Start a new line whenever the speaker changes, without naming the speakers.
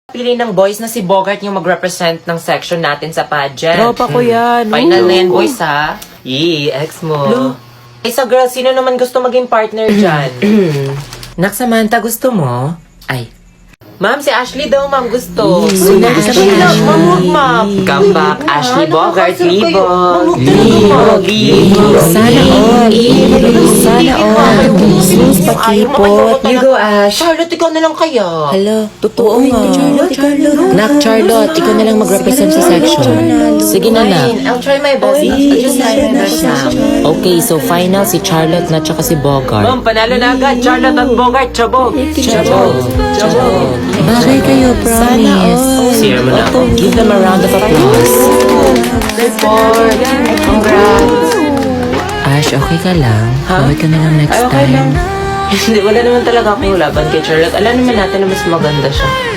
Pili ng boys na si Bogart yung mag-represent ng section natin sa pageant.
Tropa ko yan.
Final na yan, boys, ha? Yee, ex mo. Eh, so girl, sino naman gusto maging partner dyan? Nak, Samantha, gusto mo? Ay. Ma'am, si Ashley daw, ma'am, gusto.
Sino gusto mo?
Ma'am, huwag, ma'am. Come back, Ashley Bogart, Libo. Libo.
Sana all. Sana all. Sus, pakipot.
You go, Ash. Charlotte, ikaw na lang kaya.
Hello, totoo nga.
Charlotte.
Nak, Charlotte, ikaw na lang mag-represent sa section. Sige na, Nak.
I'll try my best. I'll just try my best, ma'am.
Okay, so final si Charlotte na tsaka si Bogart.
Ma'am, panalo na agad. Charlotte at Bogart, chabog. Chabog.
Bagay kayo, promise.
Sira mo na ako.
Give them a round of applause.
Report. Congrats.
Ash, okay ka lang? Bawal ka na lang next
Ay, okay lang.
time.
Hindi, wala naman talaga akong laban kay Charlotte. Alam naman natin na mas maganda siya.